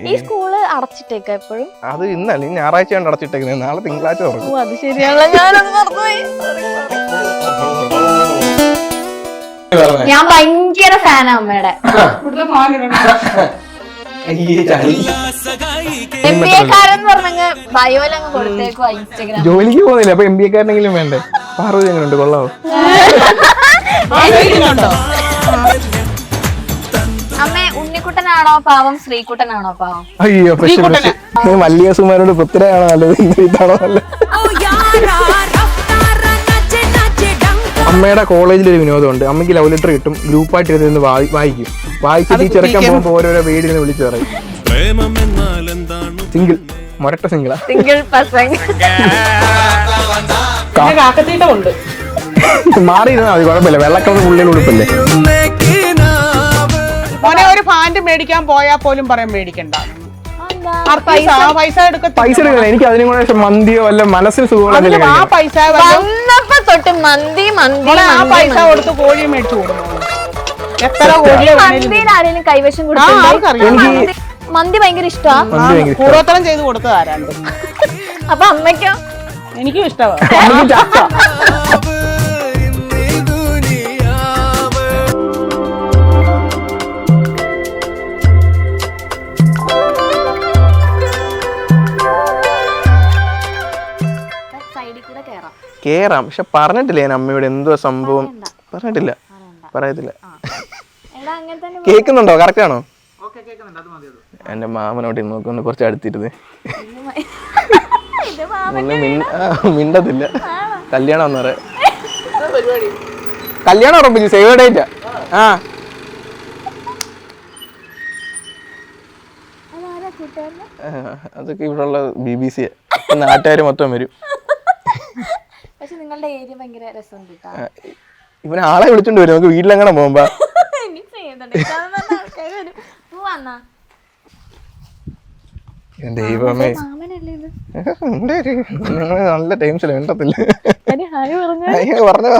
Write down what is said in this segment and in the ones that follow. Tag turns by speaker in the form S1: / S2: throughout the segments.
S1: ഈ സ്കൂള് അടച്ചിട്ടേക്കാ എപ്പോഴും?
S2: അത് ഇന്നല്ല, ഈ ഞായറാഴ്ചയാണ് അടച്ചിട്ടേക്കുന്നത്. നാളെ തിങ്കളാഴ്ച തുറക്കും.
S1: അത് ശരിയാണല്ലോ, ഞാനത് മറന്നുപോയി. ഞാൻ ഭയങ്കര ഫാനാ അമ്മയുടെ. MBA-കാരെന്ന് പറഞ്ഞ ബയോലങ്ങ് കൊടുത്തേക്കോ ഇൻസ്റ്റഗ്രാം.
S2: ജോലിക്ക് പോകുന്നില്ല, അപ്പൊ MBA-കാരനെങ്കിലും വേണ്ടേ? പാർവതി എങ്ങനെയുണ്ട്, കൊള്ളാവോ?
S1: അമ്മ ഉണ്ണിക്കുട്ടനാണോ പാവം, ശ്രീകുട്ടനാണോ പാവം?
S2: അയ്യോ, മല്ലിക സുമാരോട് പൃഥ്വിരാജാണോ നല്ലത്, ഇന്ദ്രിത്താണോ നല്ലത്? അമ്മയുടെ കോളേജിൽ ഒരു വിനോദമുണ്ട്. അമ്മയ്ക്ക് ലവ് ലെറ്റർ കിട്ടും, ഗ്രൂപ്പായിട്ട് ഇരുന്ന് വായിക്കും. വായിച്ചിട്ട് ഈ ചെറുക്കാൻ പോകുമ്പോൾ ഓരോരോ വീടിന് വിളിച്ചു പറയും. സിംഗിൾ, മൊരട്ട സിംഗിളാ.
S1: Single person.
S2: മാറിയിരുന്നാ മതി, കുഴപ്പമില്ല. വെള്ളക്കളർ ഉള്ളിൽ ഉടുപ്പല്ലേ.
S3: മോനെ ഒരു പാന്റ് മേടിക്കാൻ പോയാൽ പോലും പറയാൻ മേടിക്കണ്ട, പൈസ
S2: എടുക്കണം. എനിക്ക് അതിനും കൂടെ മന്തിയോ അല്ല മനസ്സിന് സുഖമുള്ള
S3: ആ പൈസ
S1: തൊട്ട് മന്തി
S3: ആ പൈസ കൊടുത്ത് കോഴി മേടിച്ചു കൊടുക്കും. എത്ര കോഴിയെ
S1: ആരെങ്കിലും കൈവശം കൊടുക്കും. മന്തി ഭയങ്കര ഇഷ്ടമാണ്,
S3: പൂർവ്വത്തരം ചെയ്ത് കൊടുത്തത് ആരാണ്ട്.
S1: അപ്പൊ അമ്മയ്ക്കോ?
S3: എനിക്കും ഇഷ്ടമാണ്.
S2: കേറാം, പക്ഷെ പറഞ്ഞിട്ടില്ല ഞാൻ അമ്മയോട് എന്തോ സംഭവം. പറഞ്ഞിട്ടില്ല, പറയത്തില്ല. കേൾക്കുന്നുണ്ടോ? കറക്റ്റ് ആണോ? എന്റെ മാമനോട്ട് നോക്കുന്നു, കുറച്ച് അടുത്തിരുന്ന്. മിണ്ടത്തില്ല. കല്യാണം എന്ന് പറയാ, കല്യാണം ഉറപ്പിച്ചു, സേവ് ഡേറ്റാ. ആ അതൊക്കെ ഇവിടെ ഉള്ള BBC, നാട്ടുകാര് മൊത്തം വരും. ഇവനെ ആളെ വിളിച്ചോണ്ട് വരും, നമുക്ക് വീട്ടിലെങ്ങനെ പോകുമ്പോ. ദൈവമേ, നല്ല ടൈംസിൽ വേണ്ടത്തില്ല. പറഞ്ഞ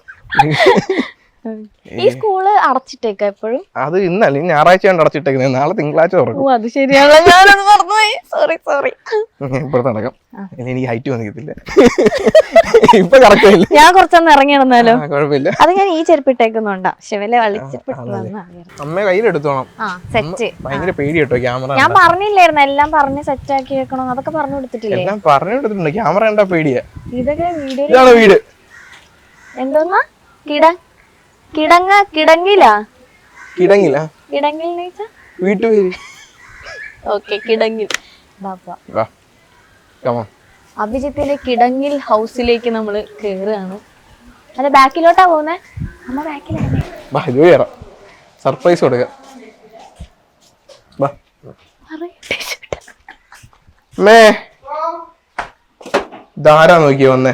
S1: ഈ സ്കൂള് അടച്ചിട്ടേക്കാ എപ്പോഴും?
S2: അത് ഇന്നല്ല, ഈ ഞായറാഴ്ചയാണ് അടച്ചിട്ടേക്കുന്നത്. നാളെ തിങ്കളാഴ്ച തുറക്കും.
S1: അത് ശരിയാണല്ലോ, ഞാനത് മറന്നുപോയി. സോറി.
S2: ഇപ്പുറത്ത് നടക്കാം. എനിക്ക് ഹൈറ്റ് വന്നിട്ടില്ല. ഇപ്പൊ കറക്റ്റ്.
S1: ഞാൻ കുറച്ചൊന്ന് ഇറങ്ങി നടന്നാലോ?
S2: കുഴപ്പമില്ല.
S1: അത് ഞാൻ ഈ ചെരുപ്പിട്ടേക്കുന്നുണ്ടാ. ശിവലെ
S2: അമ്മ കയ്യിലെടുത്തോണം.
S1: സെറ്റ്.
S2: ഭയങ്കര പേടി കേട്ടോ ക്യാമറ.
S1: ഞാൻ പറഞ്ഞില്ലായിരുന്നു എല്ലാം പറഞ്ഞ് സെറ്റ് ആക്കി വെക്കണം, അതൊക്കെ പറഞ്ഞു കൊടുത്തിട്ടില്ലേ?
S2: എല്ലാം പറഞ്ഞു കൊടുത്തിട്ടുണ്ട്. ക്യാമറ കണ്ടാ പേടിയാ.
S1: ഇതൊക്കെ
S2: ഇതാണ് വീട്.
S1: എന്തോന്നാ? കിടങ്ങില്ല
S2: വീട്ടുപേര്.
S1: ഓക്കെ, കിടങ്ങിൽ. അഭിജിത്തിന്റെ കിടങ്ങിൽ ഹൗസിലേക്ക് നമ്മള് കേറുകയാണ്. അല്ല, ബാക്കിലോട്ടാ പോകുന്നേ? അമ്മ ബാക്കിലാണ്.
S2: സർപ്രൈസ് കൊടുക്കാം. ധാരാ നോക്കിയോ വന്നേ.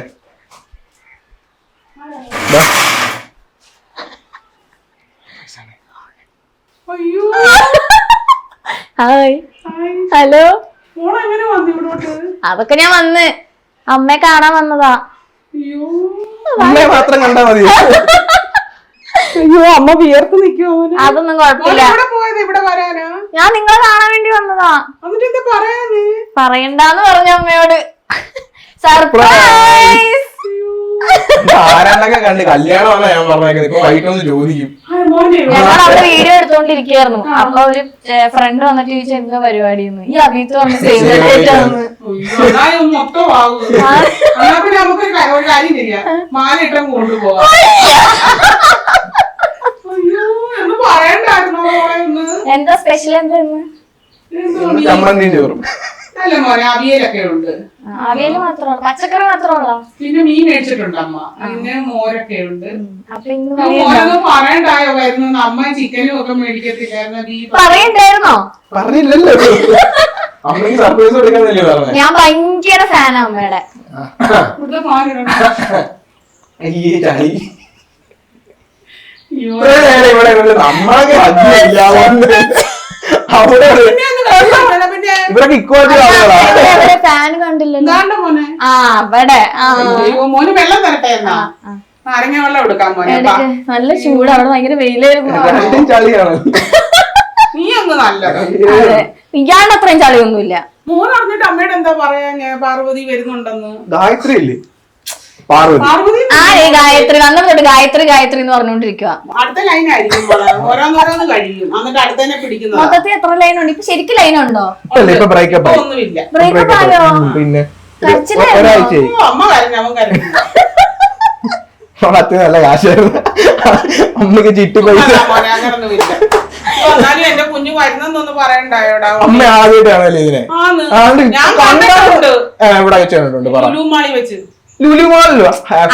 S1: Hi, hello. അതൊക്കെ ഞാൻ വന്ന് അമ്മയെ കാണാൻ വന്നതാ.
S2: അമ്മയെ മാത്രം കണ്ടാ മതി.
S3: അയ്യോ, അമ്മ വിയർത്ത് നിൽക്കുവോ?
S1: അതൊന്നും കുഴപ്പമില്ല, ഞാൻ നിങ്ങളെ കാണാൻ വേണ്ടി വന്നതാ. പറയണ്ടെന്ന് പറഞ്ഞു അമ്മയോട്. സർപ്രൈസ്.
S2: ആരാണ്ടൊക്കെ കണ്ട് കല്യാണമാണ് ഞാൻ പറഞ്ഞേക്കുന്നത്. വൈകിട്ടൊന്ന് ചോദിക്കും.
S1: ഞങ്ങൾ അവിടെ വീഡിയോ എടുത്തോണ്ടിരിക്കുകയായിരുന്നു. അപ്പൊ ഒരു ഫ്രണ്ട് വന്നിട്ട് ചോദിച്ചു എന്താ പരിപാടി. ഈ അഭിത്ത് വന്ന് സേവ് ഡേറ്റ് ആണ്. എന്താ സ്പെഷ്യൽ? എന്താ
S2: ചമ്മന്തി ചോറും?
S3: അല്ല മോനെ, അവിയലൊക്കെ ഉണ്ട്.
S1: അവിയല് മാത്രമല്ല, പച്ചക്കറി മാത്രമല്ലോ.
S3: പിന്നെ മീൻ മേടിച്ചിട്ടുണ്ട് അമ്മ. പിന്നെ മോരൊക്കെ ഉണ്ട്.
S1: അപ്പൊ
S3: പറയണ്ടായോ വരുന്ന അമ്മ ചിക്കനും ഒക്കെ മേടിക്കത്തില്ലായിരുന്നു?
S1: പറയണ്ടായിരുന്നോ?
S2: പറഞ്ഞില്ലല്ലോ. അമ്മയ്ക്ക് സർപ്രൈസ് കൊടുക്കാന്നല്ലേ പറഞ്ഞത്.
S1: ഞാൻ ഭയങ്കര ഫാനാ അമ്മയുടെ.
S2: ഇവരൊക്കെ ഇക്വാലിറ്റി
S1: ഫാൻ കണ്ടില്ലല്ലോ. ആ, അവിടെ
S3: മോന് വെള്ളം തരട്ടെ എന്നാ? നാരങ്ങ വെള്ളം എടുക്കാൻ മോനെ.
S1: നല്ല ചൂട്, അവിടെ ഭയങ്കര വെയിലായിരുന്നു.
S2: ചളിയാണ്.
S3: നീ ഒന്ന് നല്ലത്.
S1: അതെ ഇയാളുടെ അത്രയും ചളിയൊന്നുമില്ല.
S3: മോൻ അറിഞ്ഞിട്ട് അമ്മയോട് എന്താ പറയാ ഞാൻ പാർവതി വരുന്നുണ്ടെന്ന്?
S2: ഗായത്രി ഇല്ലേ പാർവതി.
S3: പാർവതി
S1: ഗായത്രി അന്ന് തൊട്ട് ഗായത്രി ഗായത്രി എന്ന് പറഞ്ഞോണ്ടിരിക്കുക.
S3: അടുത്ത ലൈൻ ആയിരിക്കും ഓരോന്നോരോന്ന് കഴിയും എന്നിട്ട് അടുത്തന്നെ പിടിക്കുന്നത്.
S1: മൊത്തത്തിൽ എത്ര ലൈൻ ഉണ്ട് ഇപ്പൊ? ശരിക്കും ലൈൻ ഉണ്ടോ?
S2: ഇപ്പൊ ബ്രേക്കപ്പ് ആയി.
S3: ഒന്നുമില്ല.
S1: ബ്രേക്കപ്പ് ആയോ?
S2: പിന്നെ
S1: കരച്ചിലായിരുന്നോ?
S2: ഒരാഴ്ചയായി.
S3: അമ്മ കരഞ്ഞു, അവൻ കരഞ്ഞു.
S2: അത്യ നല്ല കാശായിരുന്നു. അമ്മക്ക് ചിട്ടി പൈസ.
S3: അങ്ങനൊന്നുമില്ല. എന്നാലും എന്റെ കുഞ്ഞു വരുന്നെന്നൊന്ന് പറയണ്ടായോടാ.
S2: അമ്മ ആദ്യമായിട്ടാണല്ലേ ഇതിനെ?
S3: ഞാൻ കണ്ടിട്ടുണ്ട്.
S2: ഇവിടെ വെച്ച് കണ്ടിട്ടുണ്ട്. പറ.
S3: ലുലുമാളി വെച്ച്.
S2: ലുലുമാളിലോ?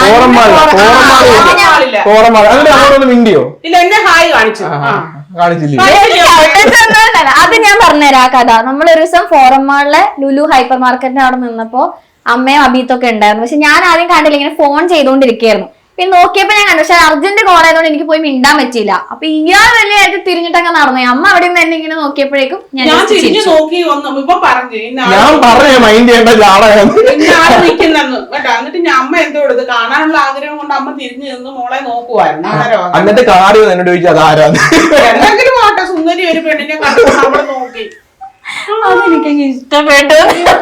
S2: കോറമാള്. അതിന്റെ അങ്ങോട്ടൊന്ന് മിണ്ടിയോ?
S3: ഇല്ല, എന്നെ ഹായ് കാണിച്ചു.
S2: കാണിച്ചില്ലേ?
S1: അത് ഞാൻ പറഞ്ഞുതരാം ആ കഥ. നമ്മളൊരു ദിവസം ഫോറം മാളിലെ ലുലു ഹൈപ്പർ മാർക്കറ്റിന്റെ അവിടെ നിന്നപ്പോ അമ്മയും അബീത്തൊക്കെ ഉണ്ടായിരുന്നു. പക്ഷെ ഞാൻ ആദ്യം കണ്ടില്ല, ഇങ്ങനെ ഫോൺ ചെയ്തുകൊണ്ടിരിക്കുകയായിരുന്നു. പിന്നെ നോക്കിയപ്പോ ഞാൻ കണ്ടു, പക്ഷെ അർജന്റ് കോൾ ആയതുകൊണ്ട് എനിക്ക് പോയി മിണ്ടാൻ പറ്റിയില്ല. അപ്പൊ ഇയാൾ വലിയ കാര്യത്തിൽ തിരിഞ്ഞിട്ടൊക്കെ നടന്നു. അമ്മ അവിടെ നിന്ന് തന്നെ ഇങ്ങനെ നോക്കിയപ്പോഴേക്കും
S3: ഞാൻ തിരിഞ്ഞു നോക്കി വന്നു. ഇപ്പൊ പറഞ്ഞു
S2: ഞാൻ പറഞ്ഞ മൈൻഡ് ചെയ്യേണ്ട
S3: നിൽക്കുന്നെന്ന് കേട്ടോ. എന്നിട്ട് ഞാൻ അമ്മ എന്തോ എടുത്ത് കാണാനുള്ള ആഗ്രഹം കൊണ്ട് അമ്മ തിരിഞ്ഞു നിന്ന് മോളെ നോക്കുവായിരുന്നു.
S2: എന്നിട്ട് കാര്യം എന്നോട് ചോദിച്ചു അതാരാന്ന്.
S3: എന്തെങ്കിലും ആട്ടെ, സുന്ദരി ഒരു പെണ്ണിനെ കണ്ടു നമ്മള് നോക്കി.
S1: അതെനിക്ക് ഇഷ്ടപ്പെട്ടു.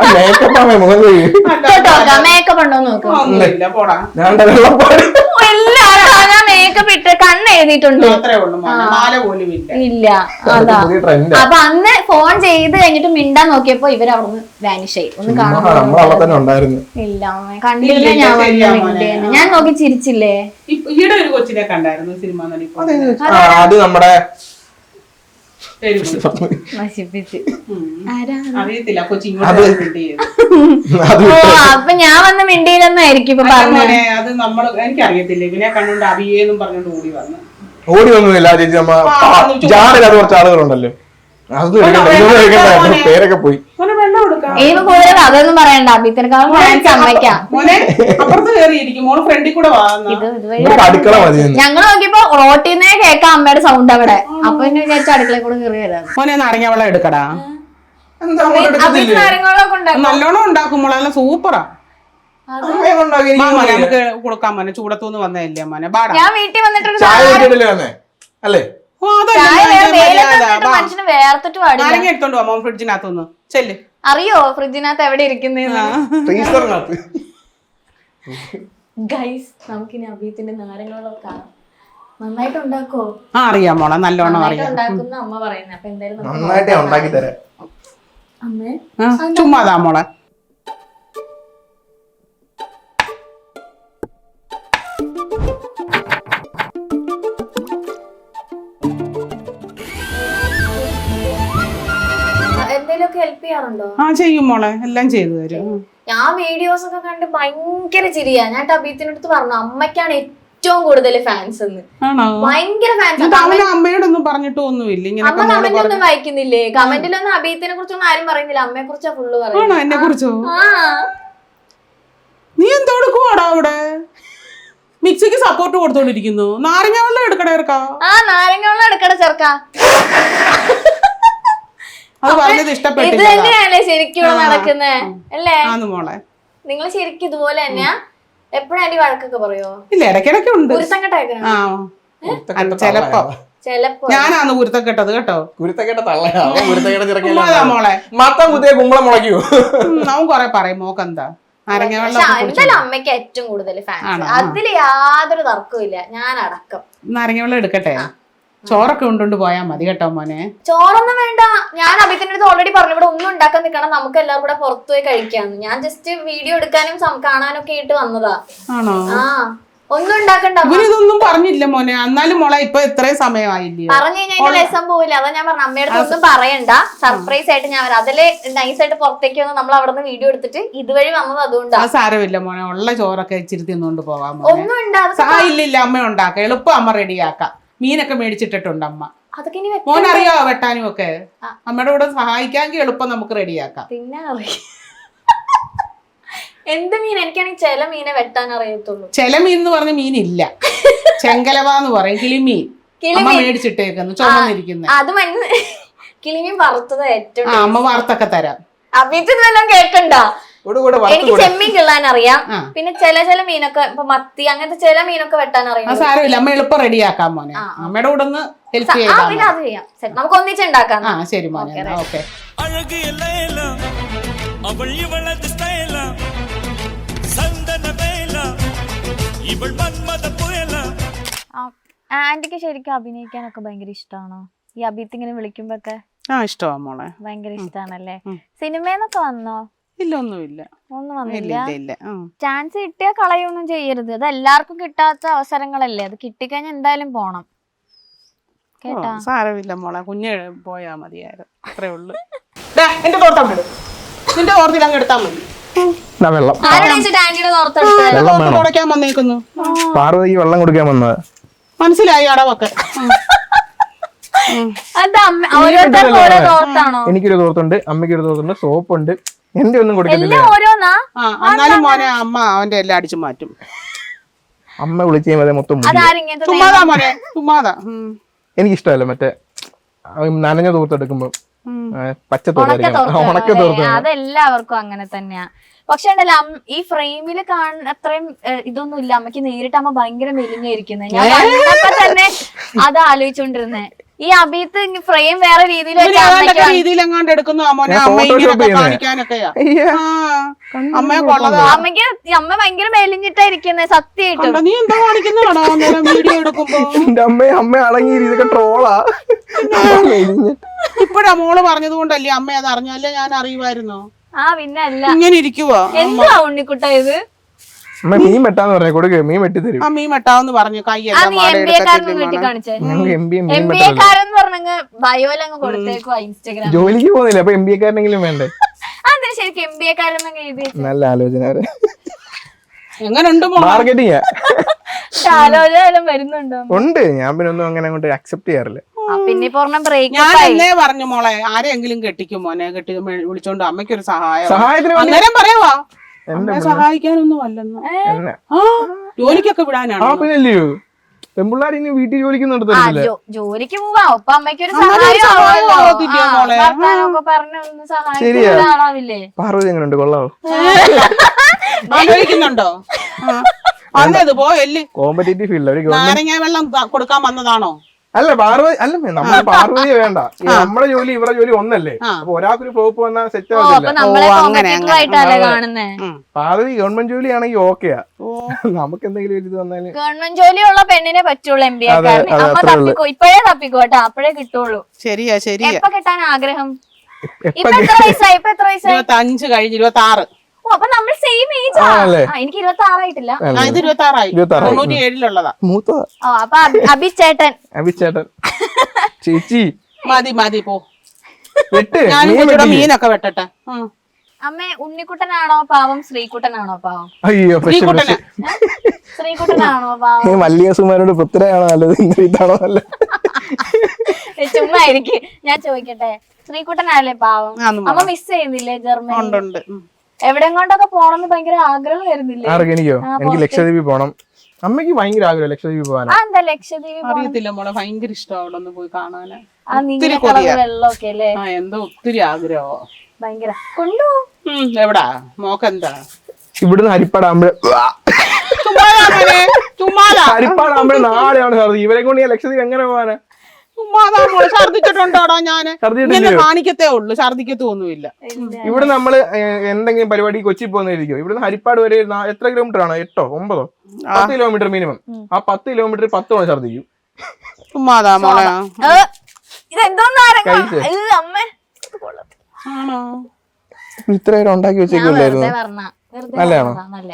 S1: മേക്കപ്പ് ഉണ്ടോ നോക്കും.
S3: ഒന്നുമില്ല, പോടാ.
S1: എല്ലാരും ഞാൻ മേക്കപ്പ് ഇട്ട് കണ്ണ് എഴുതിയിട്ടുണ്ട്.
S3: അത്രേ ഉള്ളൂ, മാല പോലും
S1: ഇല്ല. അതാ അപ്പൊ അന്ന് ഫോൺ ചെയ്ത് കഴിഞ്ഞിട്ട് മിണ്ടാൻ നോക്കിയപ്പോ ഇവര് അവിടുന്ന് വാനിഷ് ആയി. ഒന്ന് കാണാൻ ഇല്ല, കണ്ടില്ല. ഞാൻ വന്ന് ഞാൻ നോക്കി ചിരിച്ചില്ലേ?
S3: ഈടെ ഒരു കൊച്ചിനെ കണ്ടായിരുന്നു സിനിമ നടി.
S2: അത് നമ്മുടെ
S1: നശിപ്പിച്ച്
S3: അറിയത്തില്ല. കൊച്ചി
S1: അപ്പൊ ഞാൻ വന്ന് മിണ്ടിയില്ലെന്നായിരിക്കും ഇപ്പൊ പറഞ്ഞത്.
S3: അത് നമ്മള് എനിക്കറിയത്തില്ല. ഇവനെ കണ്ടുകൊണ്ട് അവിയേന്നും പറഞ്ഞോണ്ട് ഓടി വന്നു.
S2: ഓടി ഒന്നുമില്ല ചേച്ചി. നമ്മ ജാറിൽ അത് കുറച്ച് ആളുകളുണ്ടല്ലോ. പേരൊക്കെ പോയി.
S1: ഇനിയിപ്പോ കൂടുതൽ അതൊന്നും പറയണ്ട. അഭിത്തിനെക്കാളും സമ്മതിക്കാം.
S3: അപ്പുറത്ത് കയറിയിരിക്കും. മോള് ഫ്രണ്ടിൽ കൂടെ
S2: അടുക്കള മതി.
S1: ഞങ്ങൾ നോക്കിയപ്പോ റോട്ടിൽ നിന്നേ കേൾക്കാം അമ്മയുടെ സൗണ്ട് അവിടെ. അപ്പൊ എന്നെ വിചാരിച്ച അടുക്കളയിൽ കൂടെ കയറി വരാം.
S3: മോനെ നാരങ്ങ വെള്ളം എടുക്കടാ. നല്ലോണം ഉണ്ടാക്കും മോളെ, നല്ല സൂപ്പറാ. നമുക്ക് കൊടുക്കാൻ മോനെ. ചൂടത്തൂന്ന് വന്നതല്ലേ മോനെ.
S1: ഞാൻ വീട്ടിൽ വന്നിട്ട്
S2: അല്ലേ
S1: മനുഷ്യന് വേർത്തിട്ട് പാടില്ല.
S3: എടുത്തോണ്ട് പോവാ മോൻ ഫ്രിഡ്ജിനകത്തൊന്ന്. ചെല്ല്.
S1: അറിയോ ഫ്രിഡ്ജിനകത്ത് എവിടെ ഇരിക്കുന്നേന്ന്? ഗൈസ്, നമുക്കിനി അബീത്തിന്റെ നാരങ്ങളൊക്കെ കാണാം. നന്നായിട്ട് ഉണ്ടാക്കോ?
S3: അറിയാം മോളെ, നല്ലോണം അറിയാം.
S1: ഉണ്ടാക്കുന്ന അമ്മ പറയുന്നത്. അപ്പൊ എന്തായാലും
S2: നന്നായിട്ട് ഉണ്ടാക്കി തരാം.
S1: അമ്മേ
S3: ചുമ്മാതാ മോളെ.
S1: ഹെൽപ്പ് ചെയ്യാറുണ്ടോ?
S3: ചെയ്യും മോളെ, എല്ലാം ചെയ്തു തരും.
S1: ഞാൻ വീഡിയോസ് ഒക്കെ കണ്ട് ഭയങ്കര ചിരിയാ. ഞാൻ ടബീത്തിനടുത്ത് പറഞ്ഞു അമ്മയ്ക്കാണ് ഏറ്റവും കൂടുതൽ ഫാൻസ് എന്ന്. ഭയങ്കര ഫാൻസ്.
S3: അമ്മയോടൊന്നും പറഞ്ഞിട്ടൊന്നുമില്ല.
S1: അമ്മ കമന്റ് ഒന്നും വായിക്കുന്നില്ലേ? കമന്റിലൊന്നും അബീത്തിനെ കുറിച്ചൊന്നും ആരും പറയുന്നില്ല. അമ്മയെ കുറിച്ചാ ഫുള്ള് പറയുന്നത്.
S3: എന്നെ കുറിച്ചോ? നീ എന്തോടുക്കുവാടാ അവിടെ? മിക്സിക്ക് സപ്പോർട്ട് കൊടുത്തോണ്ടിരിക്കുന്നു. നാരങ്ങ വെള്ളം എടുക്കട ചെറുക്കാ.
S1: നാരങ്ങ വെള്ളം എടുക്കട ചെറുക്കാ.
S3: ഇത്
S1: തന്നെയല്ലേ ശരിക്കും നടക്കുന്നേ അല്ലേ?
S3: മോളെ
S1: നിങ്ങൾ ശരിക്കും ഇതുപോലെ തന്നെയാ? എപ്പോഴും ആന്റി വഴക്കൊക്കെ പറയോ?
S3: ഇല്ല, ഇടയ്ക്കിടയ്ക്ക് ഉണ്ട്.
S1: ചെലപ്പോ
S3: ഞാനാന്ന് കുരുത്തക്കെട്ടത് കേട്ടോ.
S2: മോളെ മത്തം കുത്തിയ കുമ്പളം മുളയ്ക്കൂ.
S3: അവൻ കൊറേ പറയും മോക്കെന്താ നാരങ്ങ വെള്ളം.
S1: എന്തായാലും അമ്മയ്ക്ക് ഏറ്റവും കൂടുതൽ ഫാൻസ്. അതില് യാതൊരു തർക്കവും ഇല്ല, ഞാൻ അടക്കം.
S3: നാരങ്ങ വെള്ളം എടുക്കട്ടെ? ചോറൊക്കെ ഉണ്ടോണ്ട് പോയാ മതി കേട്ടോ മോനെ.
S1: ചോറൊന്നും വേണ്ട. ഞാൻ അഭിത്തിന്റെ അടുത്ത് ഓൾറെഡി പറഞ്ഞു ഇവിടെ ഒന്നും ഉണ്ടാക്കാൻ നിൽക്കണം, നമുക്ക് എല്ലാവരും കൂടെ പുറത്തു പോയി കഴിക്കാന്ന്. ഞാൻ ജസ്റ്റ് വീഡിയോ എടുക്കാനും കാണാനും ഒക്കെ ആയിട്ട് വന്നതാ.
S3: ആണോ?
S1: ഒന്നും ഉണ്ടാക്കണ്ട.
S3: ഇവരിതൊന്നും പറഞ്ഞില്ല മോനെ. എന്നാലും മോളെ ഇപ്പൊ ഇത്രയും സമയമായില്ലേ?
S1: പറഞ്ഞു കഴിഞ്ഞാൽ രസം പോവില്ല. അതാ ഞാൻ പറഞ്ഞു അമ്മയുടെ ഒന്നും പറയണ്ട, സർപ്രൈസ് ആയിട്ട് ഞാൻ വരാം. അതില് നൈസായിട്ട് പുറത്തേക്ക് വന്ന് നമ്മൾ അവിടെ നിന്ന് വീഡിയോ എടുത്തിട്ട് ഇതുവഴി വന്നത്. അതുകൊണ്ടാണ്.
S3: സാരമില്ല മോനെ, ഉള്ള ചോറൊക്കെ ഇച്ചിരി തിന്നുകൊണ്ട് പോവാം.
S1: ഒന്നും ഉണ്ടാകും.
S3: ഇല്ലില്ല, അമ്മ ഉണ്ടാക്കാം. എളുപ്പം അമ്മ റെഡിയാക്കാം. മീനൊക്കെ മേടിച്ചിട്ടിട്ടുണ്ട് അമ്മ.
S1: അതൊക്കെ
S3: മോനറിയോ വെട്ടാനും ഒക്കെ? അമ്മയുടെ കൂടെ സഹായിക്കാമെങ്കിൽ എളുപ്പം നമുക്ക് റെഡിയാക്കാം.
S1: പിന്നെ എന്ത് മീൻ? എനിക്കാണെങ്കിൽ ചില മീനെ വെട്ടാൻ അറിയത്തുള്ളൂ.
S3: ചില മീൻ എന്ന് പറഞ്ഞ മീനില്ല. ചെങ്കലവ എന്ന് പറയും. കിളിമീൻ അമ്മ മേടിച്ചിട്ടേക്കുന്നു, ചുമന്നിരിക്കുന്ന.
S1: അത് കിളിമീൻ വറുത്തത് ഏറ്റവും.
S3: അമ്മ വറുത്തൊക്കെ തരാം.
S1: അഭിജിത്ത് വല്ലതും കേക്കണ്ട.
S3: കൂടെ
S1: എനിക്ക് ചെമ്മീൻ കിള്ളാൻ അറിയാം. പിന്നെ ചില മീനൊക്കെ ഇപ്പൊ മത്തി അങ്ങനത്തെ ചില മീനൊക്കെ വെട്ടാൻ അറിയാം.
S3: സാരമില്ല, അമ്മ എളുപ്പം റെഡിയാക്കാം മോനെ. അമ്മയുടെ കൂടെ ഒന്ന് ഹെൽപ്പ് ചെയ്യാം.
S1: പിന്നെ അത് ചെയ്യാം. നമുക്ക് ഒന്നിച്ചുണ്ടാക്കാം.
S3: ശരി മോനെ, ഓക്കെ.
S1: ആന്റിക്ക് ശരിക്കും അഭിനയിക്കാനൊക്കെ ഭയങ്കര ഇഷ്ടമാണോ? ഈ അഭിത്ത് ഇങ്ങനെ വിളിക്കുമ്പോക്കെ
S3: ഇഷ്ടമാ മോളെ,
S1: ഭയങ്കര ഇഷ്ടമാണല്ലേ? സിനിമയെന്നൊക്കെ വന്നോ?
S3: ഇല്ല, ഒന്നുമില്ല.
S1: ഒന്നും വന്നില്ല. ചാൻസ് കിട്ടിയാ കളയൊന്നും ചെയ്യരുത്. അത് എല്ലാവർക്കും കിട്ടാത്ത അവസരങ്ങളല്ലേ, അത് കിട്ടിക്കഴിഞ്ഞാൽ എന്തായാലും പോണം കേട്ടാ.
S3: സാരമില്ല മോളെ, കുഞ്ഞ് പോയാ മതിയായിരുന്നു, അത്രേ ഉള്ളു. എന്റെ തോർത്തം നിന്റെ തോർത്തിൽ അങ്ങ് എടുത്താൽ മതി. തുടയ്ക്കാൻ വന്നേക്കുന്നു.
S2: പാർവതിക്ക് വെള്ളം കൊടുക്കാൻ വന്നത്
S3: മനസ്സിലായി. അടവൊക്കെ
S2: എനിക്കൊരു തോർത്തുണ്ട്, അമ്മയ്ക്കൊരു തോർത്തുണ്ട്, സോപ്പുണ്ട്. എന്റെ ഒന്നും കൊടുക്കുന്നില്ല.
S3: എന്നാലും മോനെ അമ്മ അവന്റെ എല്ലാം അടിച്ചു മാറ്റും.
S2: അമ്മ വിളിച്ചു കഴിയുമ്പോ മൊത്തം
S3: ചുമ്മാതാ മോനെ, ചുമ്മാതാ.
S2: എനിക്കിഷ്ടമല്ല മറ്റേ നനഞ്ഞ തോർത്തെടുക്കുമ്പോ പച്ച ഉണക്ക തോർത്ത്.
S1: അതെല്ലാവർക്കും അങ്ങനെ തന്നെയാ. പക്ഷെ ഉണ്ടല്ലോ ഈ ഫ്രെയിമില് കാണുന്ന അത്രയും ഇതൊന്നും ഇല്ല. അമ്മക്ക് നേരിട്ട് അമ്മ ഭയങ്കര മെലിഞ്ഞിരിക്കുന്നത്. ഞാൻ കണ്ടപ്പോ തന്നെ അത് ആലോചിച്ചോണ്ടിരുന്നേ. ഈ അഭിത്ത് ഫ്രെയിം വേറെ രീതിയിൽ അമ്മക്ക് അമ്മ ഭയങ്കര മെലിഞ്ഞിട്ടാ ഇരിക്കുന്നത് സത്യമായിട്ടും.
S3: നീ എന്താ കാണിക്കുന്നതാണോ വീഡിയോ എടുക്കുമ്പോ?
S2: അമ്മ അടങ്ങി ഇതൊക്കെ ട്രോളാ.
S3: ഇപ്പഴാ മോള് പറഞ്ഞത് കൊണ്ടല്ലേ അമ്മ അത് അറിഞ്ഞല്ലേ ഞാൻ അറിയുമായിരുന്നോ?
S1: പിന്നെ അല്ല
S3: ഇങ്ങനെ ഇരിക്കുവോ?
S1: എന്താ ഉണ്ണിക്കുട്ട ഇത്?
S2: മീൻ വെട്ടാന്ന് പറഞ്ഞ കൊടുക്ക്, മീൻ വെട്ടി തരും.
S3: മീൻ വെട്ടാന്ന് പറഞ്ഞു. കൈയെല്ലാം
S1: ബയോലങ്ങ് കൊടുത്തേക്കുവാ ഇൻസ്റ്റാഗ്രാം.
S2: ജോലിക്ക് പോകുന്നില്ല, അപ്പൊ MBA കാരനെങ്കിലും വേണ്ടേ?
S1: അതെ, ശരിക്കും MBA കാരനൊക്കെ എഴുതി.
S2: നല്ല ആലോചന.
S3: എങ്ങനെയുണ്ട്
S2: മാർക്കറ്റിംഗ്
S1: ആലോചന വരുന്നുണ്ടോ?
S2: ഉണ്ട്. ഞാൻ പിന്നെ ഒന്നും അങ്ങനെ അങ്ങോട്ട് അക്സെപ്റ്റ് ചെയ്യാറില്ല.
S1: പിന്നെ
S3: ഞാൻ എന്നേ പറഞ്ഞു മോളെ, ആരെങ്കിലും കെട്ടിക്കും മോനെ, കെട്ടി വിളിച്ചോണ്ട് അമ്മയ്ക്കൊരു
S2: സഹായത്തിന്
S3: അന്നേരം പറയാവാ സഹായിക്കാനൊന്നും അല്ലെന്ന്. ജോലിക്കൊക്കെ വിടാനാണോ?
S2: പിന്നല്ലയോ, പെൺപിള്ളേർ ഇനി വീട്ടിൽ ജോലിക്ക് നടത്തില്ല.
S1: ജോലിക്ക് പോവാ. അപ്പൊ അമ്മയ്ക്കൊരു
S2: ശരിയാ. പാർവതി എങ്ങനെയുണ്ട്, കൊള്ളാവോ?
S3: ആലോചിക്കുന്നുണ്ടോ? വന്നത് പോയല്ലേ
S2: കോമ്പറ്റേറ്റീവ് ഫീൽഡ്.
S3: നാരങ്ങ വെള്ളം കൊടുക്കാൻ വന്നതാണോ?
S2: അല്ല പാർവതി അല്ല, നമ്മൾ പാർവതിയെ വേണ്ട. നമ്മുടെ ജോലി ഇവരുടെ ജോലി ഒന്നല്ലേ. അപ്പൊ ഒരാൾക്കൊരു ഫ്ലോപ്പ് വന്നാൽ സെറ്റ് ആവില്ല. പാർവതി ഗവൺമെന്റ് ജോലി ആണെങ്കിൽ ഓക്കെയാ. നമുക്ക് എന്തെങ്കിലും ഒരു ഇത് വന്നാലും
S1: ഗവൺമെന്റ് ജോലിയുള്ള പെണ്ണിനെ പറ്റുള്ളൂ. ഇപ്പഴേ തപ്പിക്കോട്ടെ, അപ്പഴേ കിട്ടുള്ളൂ.
S3: ശരിയാ ശരിയാ.
S1: എപ്പോ കിട്ടാൻ ആഗ്രഹം? ഇപ്പൊ എത്ര വയസ്സായി?
S3: 25 കഴിഞ്ഞ് 26.
S1: അപ്പൊ നമ്മൾ സെയിം ഏജ് ആ. എനിക്ക് 26 ആയിട്ടില്ല.
S3: ഇത് 26 97-ലുള്ളതാ.
S1: അപ്പൊ അഭിച്ചേട്ടൻ
S2: ചേച്ചി
S3: മതി മതി പോ.
S2: ഞാൻ
S3: മീനൊക്കെ വെട്ടട്ടെ.
S1: അമ്മ ഉണ്ണിക്കുട്ടനാണോ പാവം, ശ്രീകുട്ടനാണോ പാവം?
S2: അയ്യോ,
S1: ശ്രീകുട്ടനാണോ പാവം?
S2: മല്ലികസുമാരോട് പൃഥ്വിരാജാണോ നല്ലത്, ഇതാണോ നല്ലത്?
S1: ചുമ്മാ എനിക്ക് ഞാൻ ചോദിക്കട്ടെ, ശ്രീകുട്ടനല്ലേ പാവം? അമ്മ മിസ് ചെയ്യുന്നില്ലേ ജർമ്മനി? എവിടെ കൊണ്ടൊക്കെ പോണെന്ന് ഭയങ്കര ആഗ്രഹമായിരുന്നില്ലേ?
S2: എനിക്കോ? എനിക്ക് ലക്ഷദ്വീപിൽ പോണം. അമ്മയ്ക്ക് ഭയങ്കര ആഗ്രഹം ലക്ഷദ്വീപിൽ പോകാൻ.
S1: എന്താ ലക്ഷദ്വീപ്?
S3: അറിയത്തില്ല മോളെ, ഭയങ്കര ഇഷ്ടം അവിടെ ഒന്ന് പോയി കാണാന്.
S1: വെള്ളമൊക്കെ അല്ലേ?
S3: എന്തോ ഒത്തിരി ആഗ്രഹമോ
S1: ഭയങ്കര. കൊണ്ടുപോകും.
S3: എവിടാ മോക്കെന്താ?
S2: ഇവിടുന്ന് ഹരിപ്പാടാകുമ്പോഴേ ഹരിപ്പാടാകുമ്പോഴേ നാളെയാണ് സാർ. ഇവരെ കൊണ്ട് ഞാൻ ലക്ഷദ്വീപ് എങ്ങനെ പോകാനാ?
S3: ഛർദിച്ചിട്ടുണ്ടോടാ? ഞാന് കാണിക്കത്തേ ഉള്ളു, ഛർദിക്കത്തൊന്നുമില്ല.
S2: ഇവിടെ നമ്മള് എന്തെങ്കിലും പരിപാടി കൊച്ചി പോകുന്നതായിരിക്കും. ഇവിടുന്ന് ഹരിപ്പാട് വരെ എത്ര കിലോമീറ്റർ ആണ്? 8 9 10 കിലോമീറ്റർ മിനിമം. ആ 10 കിലോമീറ്റർ 10 തവണ ഛർദിക്കും. ഇത്രയും ഉണ്ടാക്കി വെച്ചേക്കില്ലായിരുന്നു. നല്ലതാണോ?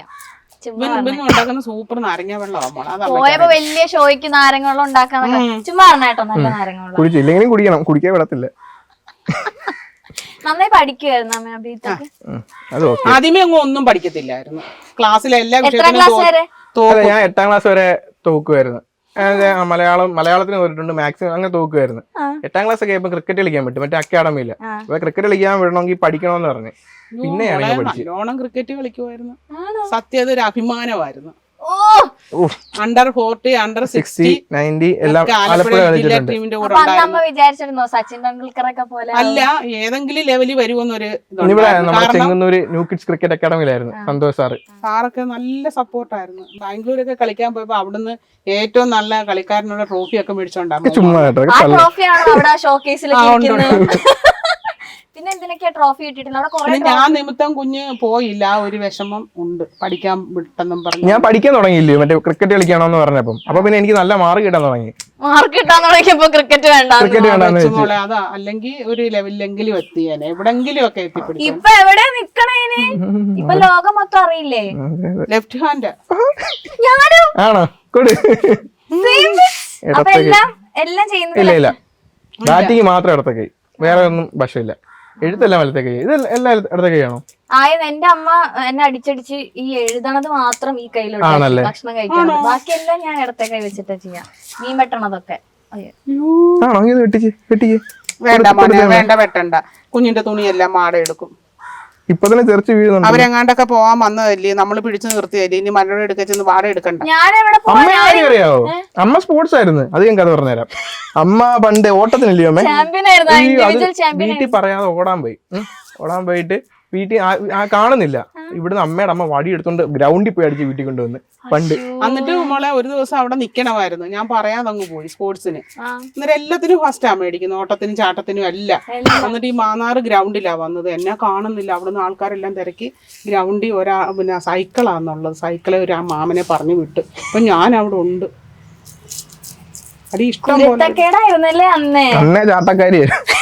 S3: സൂപ്പർ നാരങ്ങ വെള്ളം.
S1: പോയപ്പോ വലിയ ഷോയ്ക്ക് നാരങ്ങ വെള്ളം ഉണ്ടാക്കാൻ ചുമ്മാ പറഞ്ഞേട്ടോ. നല്ല നാരങ്ങ വെള്ളം
S2: കുടിച്ചില്ലെങ്കിലും കുടിക്കണം, കുടിക്കാൻ വിടത്തില്ല.
S1: നന്നായി പഠിക്കുവായിരുന്നു അമ്മ അഭിത്തൊക്കെ?
S3: ആദ്യമേ അങ്ങ് ഒന്നും പഠിക്കത്തില്ലായിരുന്നു. ക്ലാസ്സിലെ എല്ലാ വിഷയത്തിലും
S2: ഞാൻ 8ാം ക്ലാസ് വരെ തോക്കുമായിരുന്നു. മലയാളത്തിന് പോയിട്ടുണ്ട്, മാത്സിനും അങ്ങനെ തോക്കുമായിരുന്നു. 8ാം ക്ലാസ് ഒക്കെ ആയപ്പോ ക്രിക്കറ്റ് കളിക്കാൻ പറ്റും, മറ്റേ അക്കാഡമിയില്. അപ്പൊ ക്രിക്കറ്റ് കളിക്കാൻ വിടണമെങ്കിൽ പഠിക്കണമെന്ന് പറഞ്ഞു. പിന്നെ
S3: നല്ലോണം ക്രിക്കറ്റ് കളിക്കുമായിരുന്നു. സത്യം, അതൊരു അഭിമാനമായിരുന്നു. അണ്ടർ 40, അണ്ടർ 60,
S2: 90 എല്ലാം ആലപ്പുഴ
S3: ജില്ലാ
S2: കളിച്ചിട്ടുണ്ട്.
S3: ടീമിന്റെ കൂടെ
S1: അപ്പൊ അന്ന്
S3: ഉണ്ടായിരുന്നു.
S1: അമ്മ വിചാരിച്ചിരുന്നോ സച്ചിൻ ടെണ്ടുൽക്കറൊക്കെ പോലെ
S3: അല്ല, ഏതെങ്കിലും ലെവലിൽ വരുമെന്നൊരു
S2: ഇവിടെ നമ്മുടെ
S3: കാരണം
S2: ചെങ്ങന്നൂര് ന്യൂ കിഡ്സ് ക്രിക്കറ്റ് അക്കാഡമിയിലായിരുന്നു സന്തോഷ് സാറ്.
S3: സാറൊക്കെ നല്ല സപ്പോർട്ടായിരുന്നു. ബാംഗ്ലൂരൊക്കെ കളിക്കാൻ പോയപ്പോ അവിടുന്ന് ഏറ്റവും നല്ല കളിക്കാരനുള്ള ട്രോഫി ഒക്കെ മേടിച്ചോണ്ടായിരുന്നു.
S2: ചുമ്മാ കേട്ടോ
S1: ആ
S2: കള്ള.
S1: ട്രോഫിയാണോ അവിടെ ഷോക്കേസിൽ
S3: ആ, ഉണ്ട്,
S1: പിന്നെ എന്തിനൊക്കെയാ ട്രോഫി കിട്ടിയിട്ടില്ല അവിടെ കുറെ
S3: പിന്നെ ഞാൻ നിമിത്തം കുഞ്ഞ് പോയില്ല. ആ ഒരു വിഷമം ഉണ്ട്, പഠിക്കാൻ വിട്ടെന്നും പറഞ്ഞു.
S2: ഞാൻ പഠിക്കാൻ തുടങ്ങിയില്ലേ മറ്റേ ക്രിക്കറ്റ് കളിക്കണമെന്ന് പറഞ്ഞപ്പം. അപ്പൊ പിന്നെ എനിക്ക് നല്ല മാർക്ക് കിട്ടാൻ തുടങ്ങി.
S1: മാർക്ക് കിട്ടാൻ തുടങ്ങിയപ്പോ ക്രിക്കറ്റ് വേണ്ട.
S2: ക്രിക്കറ്റ് വേണ്ടാന്ന് വെച്ച്.
S3: മോളെ അതാ, അല്ലെങ്കിൽ ഒരു ലെവലിലെങ്കിലും എത്തിയേനെ, എവിടെങ്കിലും ഒക്കെ എത്തിപ്പിടിക്കും.
S1: ഇപ്പൊ എവിടെ നിക്കണേന്? ഇപ്പൊ ലോകം മൊത്തം അറിയില്ലേ?
S3: ലെഫ്റ്റ് ഹാൻഡ്
S1: ഞാനും
S2: ആണോ കൊടു.
S1: അപ്പൊ എല്ലാം എല്ലാം
S2: ഇല്ല
S1: ചെയ്യുന്നത്
S2: ഇല്ല, ബാറ്റിങ് മാത്രം ഇടത്ത കൈ, വേറെ ഒന്നും വശമില്ല. എഴുത്തെല്ലാം വലത്തെ കൈ. ഇത് എല്ലാം ഇടത്തെ കൈയാണോ?
S1: ആയത് എന്റെ അമ്മ എന്നെ അടിച്ചടിച്ച് ഈ എഴുതണത് മാത്രം ഈ കയ്യിലോട്ട്
S2: ആണല്ലേ?
S1: ഭക്ഷണം കഴിക്കണം. ബാക്കിയെല്ലാം ഞാൻ ഇടത്തെ കൈ വെച്ചിട്ടാ ചെയ്യാം. മീൻ വെട്ടണതൊക്കെ. അയ്യോ.
S2: ആണോ? ഇത് വെട്ടിച്ച് വെട്ടിച്ച്.
S3: വേണ്ട മോനെ, വേണ്ട, വെട്ടണ്ട. കുഞ്ഞിന്റെ തുണിയെല്ലാം മാട എടുക്കും.
S2: ഇപ്പൊ തന്നെ തെറിച്ച് വീഴുന്നുണ്ട്.
S3: അവരെങ്ങാണ്ടൊക്കെ പോവാൻ വന്നതല്ലേ, നമ്മൾ പിടിച്ചു നിർത്തിയല്ലേ. ഇനി മണ്ണോട് എടുക്കച്ചെന്ന് വാട എടുക്കണ്ട.
S1: ഞാൻ എവിടെ
S2: അമ്മ കാര്യം അറിയാവോ? അമ്മ സ്പോർട്സ് ആയിരുന്നു. അത് ഞാൻ കഥ പറഞ്ഞുതരാം. അമ്മ പണ്ട് ഓട്ടത്തിനല്ലേ അമ്മ?
S1: ചാമ്പ്യൻ ആയിരുന്നു, ഇൻഡിവിജ്വൽ ചാമ്പ്യൻ.
S2: വീട്ടിൽ പറയാതെ ഓടാൻ പോയി. ഓടാൻ പോയിട്ട് വീട്ടിൽ കാണുന്നില്ല. ഇവിടുന്ന് അമ്മയുടെ അമ്മ വടി എടുത്തോണ്ട് ഗ്രൗണ്ടിൽ പോയി അടിച്ച് വീട്ടിൽ കൊണ്ടുവന്ന് പണ്ട്.
S3: എന്നിട്ട് മോളെ ഒരു ദിവസം അവിടെ നിക്കണമായിരുന്നു. ഞാൻ പറയാതെ അങ്ങ് പോയി സ്പോർട്സിന്. അന്നേരം എല്ലാത്തിനും ഫസ്റ്റാ മേടിക്കുന്നത്, ഓട്ടത്തിനും ചാട്ടത്തിനും എല്ലാം. എന്നിട്ട് ഈ മാന്നാറ് ഗ്രൗണ്ടിലാ വന്നത്. എന്നെ കാണുന്നില്ല. അവിടുന്ന് ആൾക്കാരെല്ലാം തിരക്കി ഗ്രൗണ്ടിൽ പിന്നെ സൈക്കിളാന്നുള്ളത്. സൈക്കിളെ ഒരു ആ മാമനെ പറഞ്ഞു വിട്ട്. അപ്പൊ ഞാൻ അവിടെ ഉണ്ട്. അടി ഇഷ്ടം പോലെ.
S1: കുരുത്തക്കേടായിരുന്നല്ലേ അന്നേ?
S2: അന്നേ ചാട്ടക്കാരി.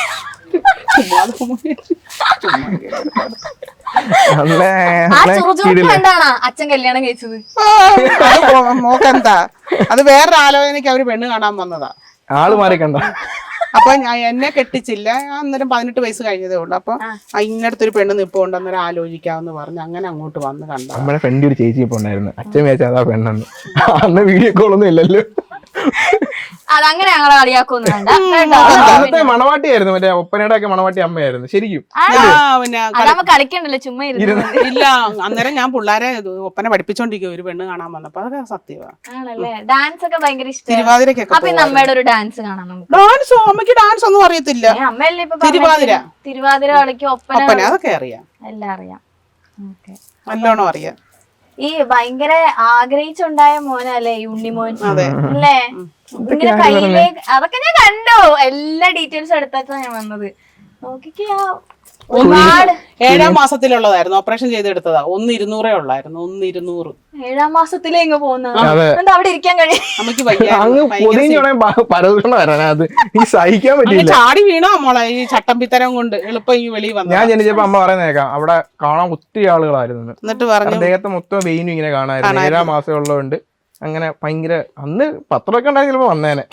S1: ആ ചുറുചുറുക്ക് കണ്ടാണ് അച്ഛൻ കല്യാണം കഴിച്ചത്.
S3: മോക്കെന്താ അത്? വേറൊരു ആലോചനയ്ക്ക് അവര് പെണ്ണ് കാണാൻ വന്നതാ.
S2: ആള് മാറി കണ്ട.
S3: അപ്പൊ എന്നെ കെട്ടിച്ചില്ല. ഞാൻ അന്നേരം 18 വയസ്സ് കഴിഞ്ഞതേ ഉള്ളു. അപ്പൊ ഇന്നടത്തൊരു പെണ്ണ് നിപ്പുണ്ട്, അന്നേരം ആലോചിക്കാന്ന് പറഞ്ഞു. അങ്ങനെ അങ്ങോട്ട് വന്ന് കണ്ട.
S2: നമ്മുടെ ഫ്രണ്ട് ഒരു ചേച്ചി ഇപ്പൊ ഉണ്ടായിരുന്നു. അച്ഛൻ വിചാരിച്ച അതാ പെണ്ണെന്ന്. അന്ന് വീഡിയോ കോളൊന്നും ഇല്ലല്ലോ.
S1: അതങ്ങനെ ഞങ്ങളെ കളിയാക്കൊന്നും വേണ്ട.
S2: അന്നത്തെ മണവാട്ടിയായിരുന്നു, മറ്റേ ഒപ്പനയുടെ ഒക്കെ മണവാട്ടി അമ്മയായിരുന്നു ശരിക്കും.
S3: പിന്നെ
S1: അതാവുമ്പോ കളിക്കണ്ടല്ലോ, ചുമ്മാ ഇരുന്നു.
S3: ഇല്ല, അന്നേരം ഞാൻ പിള്ളേരെ ഒപ്പന പഠിപ്പിച്ചോണ്ടിരിക്കും. ഒരു പെണ്ണ് കാണാൻ വന്നപ്പോ അതൊക്കെ സത്യമാണ്.
S1: ആണല്ലേ? ഡാൻസ് ഒക്കെ ഭയങ്കര ഇഷ്ടം.
S3: തിരുവാതിരക്കൊക്കെ
S1: അപ്പൊ അമ്മയുടെ ഒരു ഡാൻസ് കാണാം നമുക്ക്.
S3: ഡാൻസോ? അമ്മയ്ക്ക് ഡാൻസ് ഒന്നും അറിയത്തില്ല.
S1: അമ്മയല്ലേ ഇപ്പൊ
S3: തിരുവാതിര
S1: തിരുവാതിര കളിക്കും, ഒപ്പന
S3: അതൊക്കെ അറിയാം,
S1: എല്ലാം അറിയാം.
S3: നല്ലോണം അറിയാം.
S1: ഈ ഭയങ്കര ആഗ്രഹിച്ചുണ്ടായ മോനല്ലേ ഈ ഉണ്ണിമോൻ അല്ലേ? ഇങ്ങനെ കയ്യിലേക്ക് അതൊക്കെ ഞാൻ കണ്ടു. എല്ലാ ഡീറ്റെയിൽസും എടുത്താ ഞാൻ വന്നത്. നോക്കിക്കാ ഒരുപാട്.
S3: 7ാം മാസത്തിലുള്ളതായിരുന്നു, ഓപ്പറേഷൻ ചെയ്തെടുത്തതാ. 1,200 ഉള്ളായിരുന്നു. 1,200.
S1: 7ാം മാസത്തിലേ ഇങ്ങ് പോകുന്ന അവിടെ ഇരിക്കാൻ കഴിയും.
S3: അമ്മക്ക്
S2: പരദൂഷണം വരാനത് ഈ സഹിക്കാൻ പറ്റില്ല.
S3: ചാടി വീണോ മോളെ ഈ ചട്ടമ്പിത്തരം കൊണ്ട്? എളുപ്പം ഈ വെളിയിൽ വന്നു.
S2: ഞാൻ ജനിച്ചപ്പോ അമ്മ പറയുന്നേക്കാം അവിടെ കാണാൻ ഒത്തിരി ആളുകളായിരുന്നു.
S3: എന്നിട്ട് പറഞ്ഞു
S2: അദ്ദേഹത്തെ മൊത്തം വെയിനും ഇങ്ങനെ കാണായിരുന്നു. 7ാം മാസം ഉള്ളതുകൊണ്ട് അങ്ങനെ ഭയങ്കര. അന്ന് പത്രമൊക്കെ ഉണ്ടായി ചിലപ്പോ വന്നേനെ.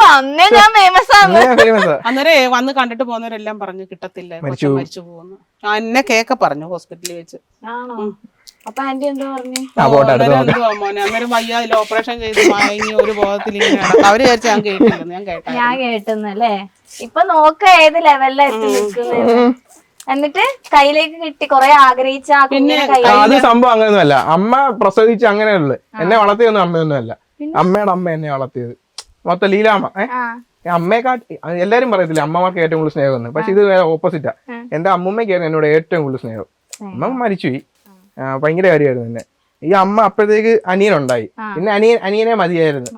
S3: അന്നേരം വന്ന് കണ്ടിട്ട് പോകുന്നവരെല്ലാം പറഞ്ഞു കിട്ടത്തില്ല, മരിച്ചു പോകുന്നു. എന്നെ കേക്ക പറഞ്ഞു ഹോസ്പിറ്റലിൽ വെച്ച്.
S1: അപ്പൊ ആന്റി എന്താ പറഞ്ഞു?
S3: മോനെ അന്നേരം വയ്യാതില്ല, ഓപ്പറേഷൻ ചെയ്ത് മയങ്ങി ഒരു ബോധത്തിൽ ഇങ്ങനെ അവര് വിചാരിച്ച ഞാൻ കേട്ടില്ലെന്ന്. ഞാൻ
S1: കേട്ടെന്നല്ലേ? ഇപ്പൊ നോക്ക ഏത് ലെവലിലാ എത്തി നിൽക്കുന്നത്. എന്നിട്ട് കയ്യിലേക്ക് കിട്ടി കൊറേ ആഗ്രഹിച്ച
S2: അത് സംഭവം അങ്ങനെയൊന്നുമല്ല. അമ്മ പ്രസവിച്ച് അങ്ങനെയുള്ളു. എന്നെ വളർത്തിയൊന്നും അമ്മയൊന്നും അല്ല. അമ്മയുടെ അമ്മ എന്നെ വളർത്തിയത് മൊത്തം ലീലാമ്മ. അമ്മയെക്കാട്ടി എല്ലാരും പറയത്തില്ല അമ്മമാർക്ക് ഏറ്റവും കൂടുതൽ സ്നേഹം. പക്ഷെ ഇത് ഓപ്പോസിറ്റാ. എന്റെ അമ്മൂമ്മയ്ക്കായിരുന്നു എന്നോട് ഏറ്റവും കൂടുതൽ സ്നേഹം. അമ്മ മരിച്ചുപോയി. ഭയങ്കര കാര്യമായിരുന്നു എന്നെ. ഈ അമ്മ അപ്പോഴത്തേക്ക് അനിയനുണ്ടായി. പിന്നെ അനിയനെ മതിയായിരുന്നു.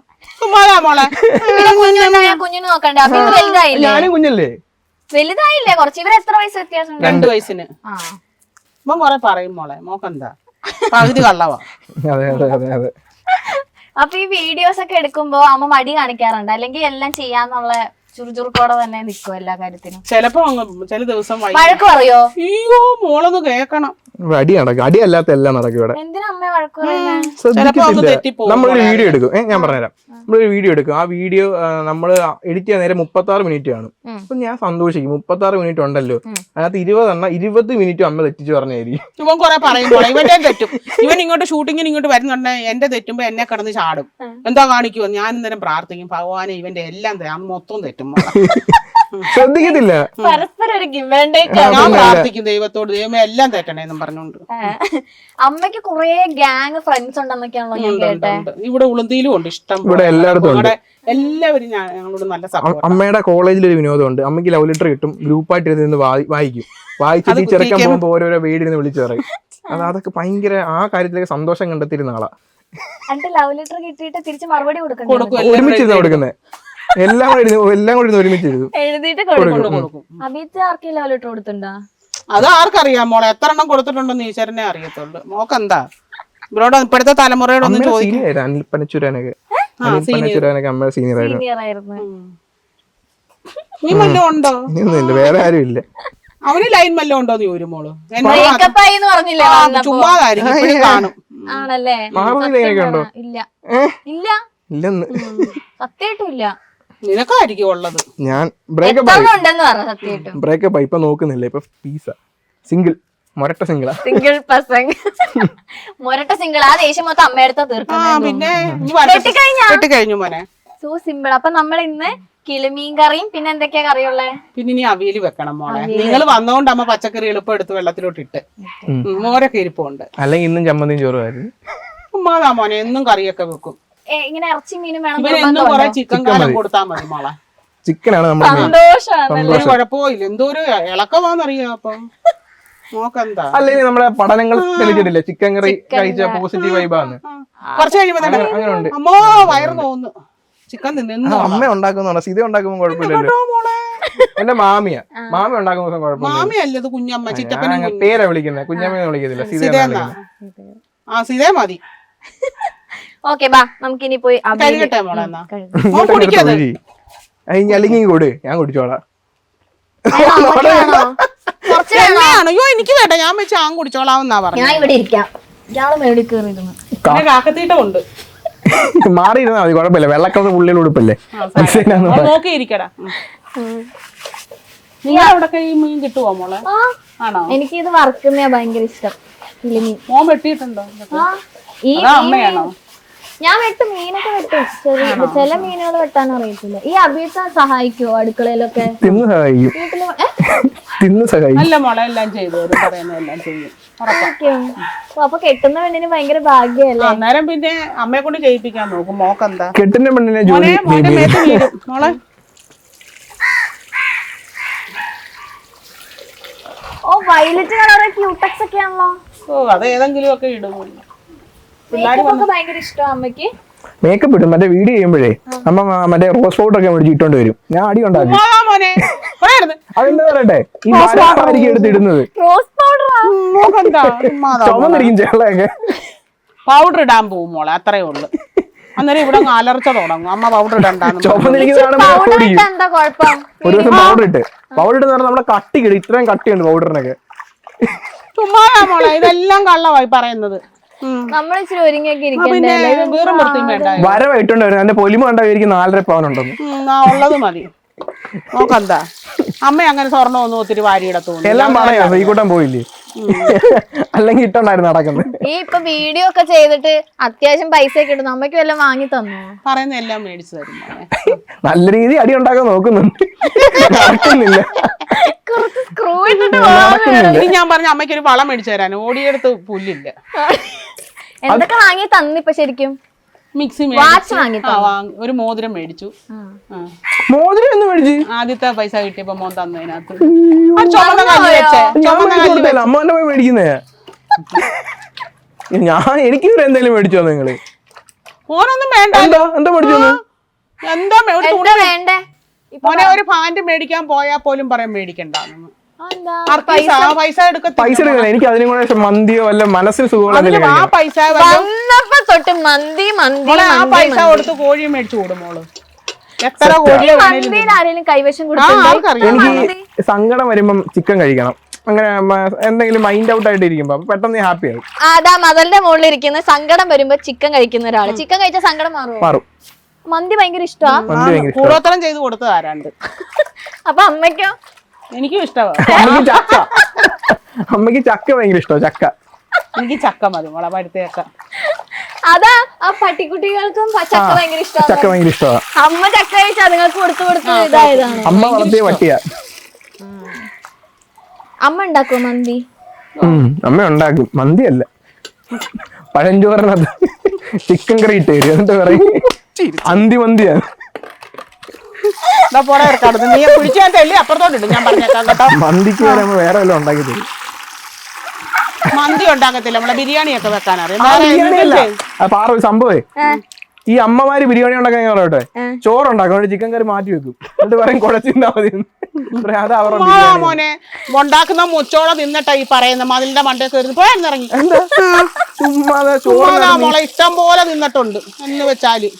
S1: കുഞ്ഞിന് നോക്കണ്ട.
S2: ഞാനും കുഞ്ഞല്ലേ?
S1: വലുതായില്ലേ കുറച്ച്? ഇവർ എത്ര വയസ്സ് വ്യത്യാസം?
S3: 2 വയസ്സിന്. കൊറേ പറയും മോളെ, മോക്കെന്താ പകുതി കള്ളവാ.
S2: അതെ അതെ അതെ അതെ.
S1: അപ്പൊ ഈ വീഡിയോസ് ഒക്കെ എടുക്കുമ്പോ അമ്മ മടി കാണിക്കാറുണ്ട്, അല്ലെങ്കിൽ എല്ലാം ചെയ്യാന്നുള്ള ചുറുചുറുക്കോടെ തന്നെ നിൽക്കും എല്ലാ കാര്യത്തിനും?
S3: ചിലപ്പോ ചില ദിവസം
S1: വഴക്ക് പറയോ?
S3: അയ്യോ മോളൊന്ന് കേക്കണം.
S2: അടി നടക്കും. അടിയല്ലാത്ത എല്ലാം നടക്കും ഇവിടെ.
S1: എന്തിനാ അമ്മ വഴക്ക് പറയുന്നത്?
S2: ശ്രദ്ധിക്കത്തില്ല. നമ്മളൊരു വീഡിയോ എടുക്കും. ഞാൻ പറഞ്ഞുതരാം. നമ്മളൊരു വീഡിയോ എടുക്കും. ആ വീഡിയോ നമ്മൾ എഡിറ്റ് ചെയ്യാൻ നേരം 36 മിനിറ്റ് കാണും. അപ്പൊ ഞാൻ സന്തോഷിക്കും. 36 മിനിറ്റ് ഉണ്ടല്ലോ, അതിനകത്ത് 20 മിനിറ്റ് അമ്മ തെറ്റിച്ച് പറഞ്ഞായിരിക്കും.
S3: ഇവൻ കൊറേ പറയുമ്പോൾ ഇവന്റെ തെറ്റും. ഇവൻ ഇങ്ങോട്ട് ഷൂട്ടിങ്ങിന് ഇങ്ങോട്ട് വരുന്നുണ്ടെ എന്റെ തെറ്റുമ്പോ എന്നെ കിടന്ന് ചാടും. എന്താ കാണിക്കുവോ? ഞാൻ ഇന്നേരം പ്രാർത്ഥിക്കും, ഭഗവാനെ ഇവന്റെ എല്ലാം മൊത്തം തെറ്റും.
S2: ശ്രദ്ധിക്കത്തില്ല.
S1: പരസ്പരം ഒരു give and take.
S3: ഞാൻ പ്രാർത്ഥിക്കും ദൈവത്തോട്, ദൈവമേ എല്ലാം തെറ്റണേന്നും പറഞ്ഞോണ്ട്.
S1: അമ്മയ്ക്ക് കുറെ ഗ്യാങ് ഫ്രണ്ട്സ് ഉണ്ടെന്നൊക്കെയാണല്ലോ ഞാൻ കേട്ടെ.
S3: ഇവിടെ ഉളുന്തിയിലും ഉണ്ട് ഇഷ്ടം.
S2: ഇവിടെ എല്ലായിടത്തും ഉണ്ട്.
S3: എല്ലാവരും ഞങ്ങളോട് നല്ല സപ്പോർട്ട്.
S2: അമ്മയുടെ കോളേജിൽ ഒരു വിനോദമുണ്ട്. അമ്മയ്ക്ക് ലവ് ലെറ്റർ കിട്ടും, ഗ്രൂപ്പായിട്ട് ഇരുന്ന് വായിക്കും. വായിച്ചിട്ട് ഈ ചെറുക്കൻ പോകുമ്പോ ഓരോരോ വീടിന് വിളിച്ചു പറയും. അതൊക്കെ ഭയങ്കര ആ കാര്യത്തിലേക്ക് സന്തോഷം കണ്ടെത്തിയിരുന്ന ആളാ.
S1: ലവ് ലെറ്റർ കിട്ടിയിട്ട് തിരിച്ച് മറുപടി കൊടുക്കണം.
S2: ഒരുമിച്ചിരുന്ന കൊടുക്കുന്നത് എല്ലാം കൂടി ഒരുമിച്ചിരുന്നു
S1: എഴുതിയിട്ട് കൊടുക്കും. അഭിത്ത് ആർക്കും ലവ് ലെറ്റർ കൊടുത്തിട്ടുണ്ടോ?
S3: അത് ആർക്കറിയാം മോളെ, എത്ര എണ്ണം കൊടുത്തിട്ടുണ്ടെന്ന് ഈശ്വരനെ അറിയത്തുള്ളൂ. മോക്കെന്താ ഇവരോട് ഇപ്പോഴത്തെ തലമുറയോടൊന്നും ചോദിക്കും.
S2: അനിൽ പനച്ചൂരാനൊക്കെ അമ്മ സീനിയർ
S1: ആയിരുന്നു.
S3: നീ വല്ലതും ഉണ്ടോ?
S2: ഇല്ല, വേറെ ആരും ഇല്ല.
S3: അവന് ലൈൻ വല്ലതും ഉണ്ടോന്ന് ചോദിക്കും മോള്.
S1: ചുമ്മാതായിരിക്കും
S3: കാണും.
S1: ആണല്ലേ?
S2: ഉണ്ടോ?
S1: ഇല്ല ഇല്ല
S2: ഇല്ലെന്ന്
S1: സത്യമായിട്ടും ഇല്ല.
S3: നിനക്കായിരിക്കും ഉള്ളത്.
S2: ഞാൻ ബ്രേക്കപ്പ് ആയി, ഇപ്പൊ നോക്കുന്നില്ല. ഇപ്പൊ പീസ സിംഗിൾ, മൊരട്ട സിംഗിളാ.
S1: സിംഗിൾ പ്രസംഗ് മൊരട്ട സിംഗിൾ. ആ ദേഷ്യം മൊത്തം അമ്മയെടുത്ത തീർക്കണം.
S3: പിന്നെ കഴിഞ്ഞു മോനെ.
S1: So simple. അപ്പൊ നമ്മൾ ഇന്ന് കിളിമീൻ കറിയും പിന്നെ എന്തൊക്കെയാ കറിയുള്ളേ?
S3: പിന്നെ ഇനി അവിയൽ വെക്കണം മോളെ. നിങ്ങൾ വന്നോണ്ട് അമ്മ പച്ചക്കറി എളുപ്പം എടുത്ത് വെള്ളത്തിലോട്ട് ഇട്ട് മോരൊക്കെ ഇരിപ്പുണ്ട്.
S2: അല്ലെങ്കിൽ ഇന്നും ചമ്മന്തിയും ചോറുമായിരുന്നു.
S3: ഉമ്മാതാ മോനെ, എന്നും കറിയൊക്കെ വെക്കും.
S1: ഇങ്ങനെ ഇറച്ചി മീനും വേണം.
S3: എന്നും കുറെ ചിക്കൻ കാലം കൊടുത്താൽ മതി മോളെ.
S2: ചിക്കനാണ്
S1: സന്തോഷാണ്.
S3: ഒരു കുഴപ്പമില്ല. എന്തോ ഒരു ഇളക്കമാന്നറിയാം. അപ്പം നോക്കെന്താ
S2: അല്ലെങ്കിൽ നമ്മുടെ പഠനങ്ങൾ തെളിഞ്ഞിട്ടില്ലേ ചിക്കൻ കറി കഴിച്ച പോസിറ്റീവ് വൈബാന്ന്.
S3: കുറച്ച് കഴിയുമ്പോ
S2: അങ്ങനെയുണ്ട്.
S3: അമ്മോ വയറ് തോന്നുന്നു. ചിക്കൻ തിന്നു.
S2: അമ്മ ഉണ്ടാക്കുന്ന സീത ഉണ്ടാക്കുമ്പോ കുഴപ്പമില്ലല്ലോ. എന്റെ മാമി ഉണ്ടാക്കുന്ന കുഴപ്പമില്ല.
S3: മാമിയല്ല ഇത് കുഞ്ഞമ്മ. ചിറ്റപ്പനും
S2: പേരാ വിളിക്കുന്നത്, കുഞ്ഞമ്മ വിളിക്കത്തില്ല.
S3: സീതേ മതി.
S1: ഓക്കെ ബാ, നമുക്കിനി പോയി
S3: കഴുകട്ടെ മോളെ. എന്നാ
S2: അല്ലെങ്കിൽ കൊടു, ഞാൻ കുടിച്ചോളാം.
S3: അയ്യോ എനിക്ക് വേണ്ട, ഞാൻ വെച്ച് ആ കുടിച്ചോളാമെന്നാ പറഞ്ഞു.
S1: ഞാൻ ഇവിടെ ഇരിക്കാം. ഇയാള് മേടി കയറിയിരുന്നു.
S3: കാക്കത്തീട്ടുണ്ട്.
S2: മാറിയിരുന്നാ മതി, കുഴപ്പമില്ല. വെള്ളക്കളർ പുള്ളിയിൽ ഉടുപ്പല്ലേ.
S3: നോക്കിയിരിക്കടാ. നീ അവിടെ മീൻ കിട്ടുവോ മോളെ? ആണോ?
S1: എനിക്ക് ഇത് വറുക്കുന്നതാ ഭയങ്കര ഇഷ്ടം.
S3: മോൻ വെട്ടിയിട്ടുണ്ടോ? അമ്മയാണോ?
S1: ഞാൻ വെട്ടും, മീനൊക്കെ വെട്ടും. ചില മീനുകൾ വെട്ടാൻ അറിയത്തില്ല. ഈ അഭിയത്ത സഹായിക്കുവോ അടുക്കളയിലൊക്കെ?
S3: അല്ല മോളെ, എല്ലാം ചെയ്തു പറയുന്നതെല്ലാം ചെയ്യും.
S1: അപ്പൊ കെട്ടുന്ന പെണ്ണിന് ഭയങ്കര ഭാഗ്യല്ലേ?
S3: അന്നേരം പിന്നെ അമ്മയെ കൊണ്ട് ചെയ്യിപ്പിക്കാൻ നോക്കും. മോക്കെന്താ
S2: കെട്ടുന്ന പെണ്ണിനെ
S3: മോളെ?
S1: ഓ വയലറ്റ് കളർ ക്യൂട്ടക്സ് ഒക്കെ ആണല്ലോ.
S3: ഓ അത് ഏതെങ്കിലും ഒക്കെ ഇടും.
S1: ഭയങ്കര ഇഷ്ടമാണ് അമ്മയ്ക്ക്.
S2: മേക്കപ്പ് ഇടും. മറ്റേ വീഡിയോ ചെയ്യുമ്പോഴേ അമ്മ മറ്റേ റോസ് പൗഡർ ഒക്കെ മേടിച്ച് ഇട്ടോണ്ട് വരും. ഞാൻ അടി ഉണ്ടാക്കും. അതെന്താ പറയട്ടെ, ഈ എടുത്തിടുന്നത്
S1: റോസ് പൗഡർ
S2: ചുമന്നിരിക്കും ചേളയൊക്കെ.
S3: പൗഡർ ഇടാൻ പോവും മോളെ, അത്രേ ഉള്ളു. അന്നേരം ഇവിടെ അലർച്ച തുടങ്ങും. അമ്മ പൗഡർ ഇടണ്ടാന്ന്.
S2: ചുമന്നിരിക്കുന്നതാണ് ഒരു ദിവസം പൗഡർ ഇട്ട് പറഞ്ഞാൽ നമ്മുടെ കട്ടി കിട്ടും. ഇത്രയും കട്ടിയുണ്ട് പൗഡറിനൊക്കെ.
S3: ചുമ്മാ മോളെ, ഇതെല്ലാം കള്ളമായി പറയുന്നത്.
S1: നമ്മളിച്ചിരി ഒരുങ്ങിയൊക്കെ
S2: വരവായിട്ടുണ്ട്. എന്റെ പൊലിമ കണ്ടായിരിക്കും 4.5 പവനുണ്ടെന്ന്.
S3: ഉള്ളത് മതി. നോക്കെന്താ അമ്മ അങ്ങനെ സ്വർണ്ണം ഒന്നും ഒത്തിരി വാരിയിടത്തു.
S2: എല്ലാം പറയാ ഈ കൂട്ടം പോയില്ലേ, അല്ലെങ്കിൽ ഇട്ടുണ്ടായിരുന്നു നടക്കുന്നത്.
S1: ഈ ഇപ്പൊ വീഡിയോ ഒക്കെ ചെയ്തിട്ട് അത്യാവശ്യം പൈസ ഒക്കെ ഇടുന്നു. അമ്മയ്ക്ക് വല്ലതും വാങ്ങി തന്നു?
S3: പറയുന്ന എല്ലാം മേടിച്ചു തരും.
S2: നല്ല രീതി അടി ഉണ്ടാക്കാൻ നോക്കുന്നുണ്ട്. നടക്കുന്നില്ല.
S3: ഞാൻ പറഞ്ഞ അമ്മയ്ക്ക് ഒരു വളം മേടിച്ചു തരാൻ. ഓടിയെടുത്ത് പുല്ലില്ല.
S1: എന്തൊക്കെ വാങ്ങി തന്നിപ്പോ ശരിക്കും?
S3: മിക്സി ഒരു മോതിരം മേടിച്ചു.
S2: മോതിരം എന്ന് മേടിച്ചു
S3: ആദ്യത്തെ പൈസ കിട്ടിയപ്പോ മോൻ തന്നതിനകത്ത്
S2: അമ്മ പോയി മേടിക്കുന്നേ. എനിക്ക് എന്തെങ്കിലും മേടിച്ചോ നിങ്ങള്?
S3: മോനൊന്നും വേണ്ട.
S2: എന്താ മേടിച്ചോ?
S3: എന്താ വേണ്ടേ? മോനെ ഒരു പാന്റ് മേടിക്കാൻ പോയാ പോലും പറയാൻ മേടിക്കണ്ടെന്ന്. പൈസ എടുക്കാൻ
S2: എനിക്ക് അതിനും കൂടെ മന്തിയോ വല്ല മനസ്സിന് സുഖമുള്ള
S3: ആ പൈസ
S1: തൊട്ട് മന്തി
S3: ആ പൈസ കൊടുത്ത് കോഴി മേടിച്ചു കൊടുക്കും മോള്. എത്ര കോഴി
S1: ആരെങ്കിലും കൈവശം
S2: എനിക്ക് സങ്കടം വരുമ്പം ചിക്കൻ കഴിക്കണം. അങ്ങനെ എന്തെങ്കിലും മൈൻഡ് ഔട്ട് ആയിട്ട് ഇരിക്കുമ്പോ പെട്ടെന്ന് ഹാപ്പി ആവും.
S1: അതാ മതലിന്റെ മുകളിൽ ഇരിക്കുന്ന സങ്കടം വരുമ്പോ ചിക്കൻ കഴിക്കുന്ന ഒരാള്. ചിക്കൻ കഴിച്ച സങ്കടം മാറും. മന്തി ഭയങ്കര ഇഷ്ടമാണ്.
S3: കൂടോത്രം ചെയ്ത് കൊടുത്തത് ആരാണ്ട്.
S1: അപ്പൊ അമ്മയ്ക്കോ?
S3: എനിക്കും ഇഷ്ടമാണ്.
S2: അമ്മക്ക് ചക്ക ഭയങ്കര ഇഷ്ടമാണ്. ചക്ക
S3: എനിക്ക് ചക്ക മതി മോളെ പഴുത്തേക്ക.
S1: അതാ ആ പട്ടിക്കുട്ടികൾക്കും ചക്ക ഭയങ്കര
S2: ചക്ക
S1: ഇഷ്ടമാണ്.
S2: ഭയങ്കര ഇഷ്ടമാണ്.
S1: അമ്മ ചക്ക കഴിച്ച് അതുങ്ങൾക്ക് കൊടുത്ത് ഇതായതാണ്.
S2: അമ്മ വളർത്തിയ പട്ടിയാ.
S1: അമ്മ ഉണ്ടാക്കുമോ മന്തി?
S2: അമ്മ ഉണ്ടാക്കും. മന്തിയല്ല, പഴഞ്ചോറിനകത്ത് ചിക്കൻ കറി ഇട്ട് തരും. എന്നിട്ട് പറയും അന്തി മന്തിയാണ്.
S3: പോടെ ഇറക്കാടുന്നു. നീ പിടിച്ചാൽ അപ്പുറത്തോട്ടിട്ട് ഞാൻ പറഞ്ഞേക്കാം കേട്ടോ.
S2: മന്തിക്ക് വരെ വേറെ വല്ലതും ഉണ്ടാക്കി തരും.
S3: മന്തി ഉണ്ടാക്കത്തില്ല, നമ്മളെ ബിരിയാണിയൊക്കെ വെക്കാനറിയാം.
S2: പാറ സംഭവേ, ഈ അമ്മമാര് ബിരിയാണി ഉണ്ടാക്കാൻ ഞാൻ പറയട്ടെ, ചോറുണ്ടാക്കും, ചിക്കൻ കറി മാറ്റി വെക്കും. എന്നിട്ട് പറയും കുഴച്ചിരുന്നാ മതി. അത് അവരുടെ
S3: മോനെ ഉണ്ടാക്കുന്ന മുച്ചോളം നിന്നിട്ടാ ഈ പറയുന്ന മതിലിന്റെ മണ്ടയൊക്കെ വരുന്നു. പോയാന്നിറങ്ങി മോളെ ഇഷ്ടം പോലെ നിന്നിട്ടുണ്ട് എന്ന് വെച്ചാല്.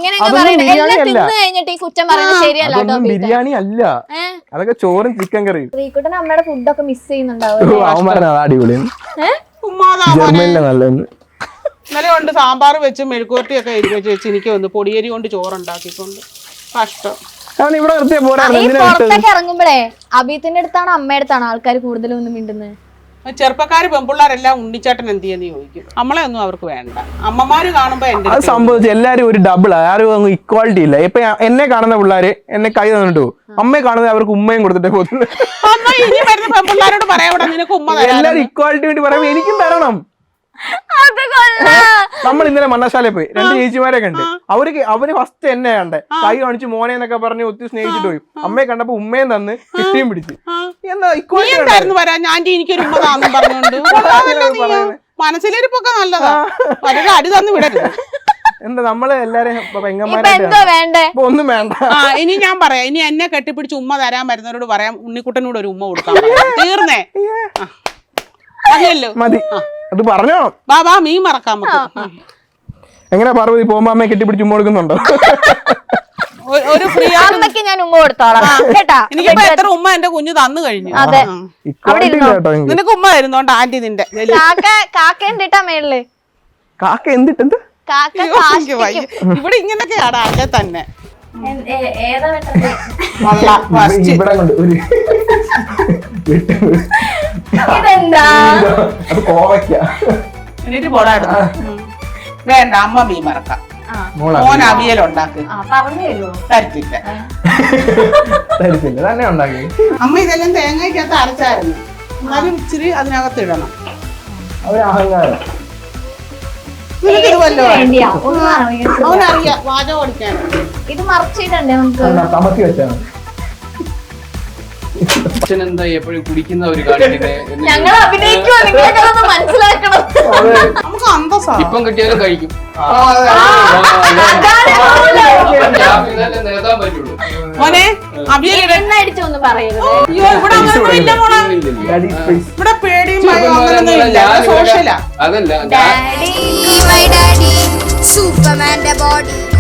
S2: ബിരിയാണി അല്ല, അതൊക്കെ ചോറും ചിക്കൻ കറിയും.
S1: ശ്രീകുട്ടൻ അമ്മയുടെ ഫുഡൊക്കെ മിസ് ചെയ്യുന്നുണ്ടാവും.
S2: അവൻ പറഞ്ഞ അടിപൊളി, ജർമ്മനിലെ നല്ലതെന്ന്.
S3: ഇന്നലെ കൊണ്ട് സാമ്പാർ വെച്ച് മെഴുക്കുവരട്ടിയൊക്കെ എരിവെച്ച് വെച്ച് എനിക്ക് വന്ന് പൊടിയരി കൊണ്ട് ചോറുണ്ടാക്കിക്കൊണ്ട് കഷ്ടം.
S2: ഇവിടെ നിർത്തിയ പോരാ.
S1: പുറത്തൊക്കെ ഇറങ്ങുമ്പോഴേ അബീത്തിന്റെ അടുത്താണ് അമ്മയുടെ അടുത്താണ് ആൾക്കാർ കൂടുതലും ഒന്നും മിണ്ടുന്നത്.
S3: ചെറുപ്പക്കാര് പെൺപിള്ളേരെല്ലാം ഉണ്ണിച്ചാട്ടൻ എന്ത് ചെയ്യുന്ന ചോദിക്കും. നമ്മളെ ഒന്നും അവർക്ക് വേണ്ട. അമ്മമാര് കാണുമ്പോ എന്റെ
S2: അത് സംഭവിച്ചു. എല്ലാരും ഒരു ഡബിൾ, ആരും അങ്ങ് ഇക്വാളിറ്റി ഇല്ല. ഇപ്പൊ എന്നെ കാണുന്ന പിള്ളേര് എന്നെ കൈ തന്നിട്ടു, അമ്മയെ കാണുന്നത് അവർക്ക് ഉമ്മയും കൊടുത്തിട്ടേ പോകുന്നത്.
S3: ഇനി വരുന്ന പെൺപിള്ളേരോട് പറയാം നിനക്ക് ഉമ്മ.
S2: എല്ലാരും ഇക്വാളിറ്റി വേണ്ടി പറയുമ്പോ എനിക്കും തരണം. നമ്മൾ ഇന്നലെ മണ്ണശാലയിൽ പോയി, 2 ചേച്ചിമാരെ കണ്ട്. അവര് ഫസ്റ്റ് എന്നെ കണ്ടേ, കൈ കാണിച്ച് മോനെ എന്നൊക്കെ പറഞ്ഞ് ഒത്തിരി സ്നേഹിച്ചിട്ട് പോയി. അമ്മയെ കണ്ടപ്പോ ഉമ്മയും തന്ന് കിട്ടിയും പിടിച്ച്. എന്താ ഇക്വാലിറ്റി
S3: വരാൻ ഞാൻ എനിക്കൊരു ഉമ്മ താന്നും പറഞ്ഞോണ്ട് മനസ്സിലിരിപ്പൊക്കെ നല്ലതാ. അവരുടെ അടി തന്നു വിടരുത്.
S2: എന്താ നമ്മള് എല്ലാരും പെങ്ങന്മാരായിട്ട് ഒന്നും വേണ്ട.
S3: ഇനി ഞാൻ പറയാം, ഇനി എന്നെ കെട്ടിപ്പിടിച്ച് ഉമ്മ തരാൻ വരുന്നവരോട് പറയാം ഉണ്ണിക്കുട്ടനോട് ഒരു ഉമ്മ കൊടുക്കാൻ. തീർന്നേ മതിയല്ലോ,
S2: മതി. അത് പറഞ്ഞോ
S3: ബാബാ മീൻ മറക്കാൻ.
S2: എങ്ങനെ പാർവതി പോകുമ്പോ അമ്മയെ കെട്ടിപ്പിടിച്ച് ഉമ്മ കൊടുക്കുന്നുണ്ടോ?
S3: ഒരു ഫ്രീ
S1: അമ്മയ്ക്ക് ഞാൻ ഉമ്മ കൊടുത്തോളാം കേട്ടാ.
S3: എനിക്കിപ്പോ എത്ര ഉമ്മ എന്റെ കുഞ്ഞ് തന്നു കഴിഞ്ഞു. നിനക്ക് ഉമ്മ തരുന്നോണ്ട് ആന്റി നിന്റെ
S1: കാക്ക എന്തിട്ടാ മേളില്?
S2: കാക്ക എന്തിട്ടെന്ത്?
S3: ഇവിടെ ഇങ്ങനൊക്കെയാണ് അല്ലെ തന്നെ. എന്നിട്ട് പോടായിരുന്നു. വേണ്ട, അമ്മ മീൻ മറക്കാം. മോൻ അവിയലുണ്ടാക്കി തരത്തില്ല.
S2: തന്നെ ഉണ്ടാക്കി.
S3: അമ്മ ഇതെല്ലാം തേങ്ങയ്ക്കകത്ത് അരച്ചായിരുന്നു. എന്നാലും ഇച്ചിരി അതിനകത്ത് ഇടണം.
S2: അഹങ്കാരം.
S3: അവനറിയാം വാചകം ഓടിക്കാൻ.
S1: ഇത് മറച്ചിടണ്ടേ നമുക്ക്?
S2: തമത്തി വെച്ചാണ്.
S4: എന്താ എപ്പോഴും കുടിക്കുന്ന ഒരു
S1: ഞങ്ങൾ അഭിനയിക്കുമോ? നിങ്ങളൊക്കെ മനസ്സിലാക്കണം.
S3: നമുക്ക് അന്തസ്സാ.
S4: ഇപ്പം കിട്ടിയാലും കഴിക്കും. നേതാൻ പറ്റുള്ളൂ
S3: മോനെ.
S1: എണ്ണടിച്ചൊന്നും പറയരുത്.
S3: ഇവിടെ പേടിയും സോഷ്യലാ.
S4: അതല്ല
S5: Daddy, my daddy, Superman the body.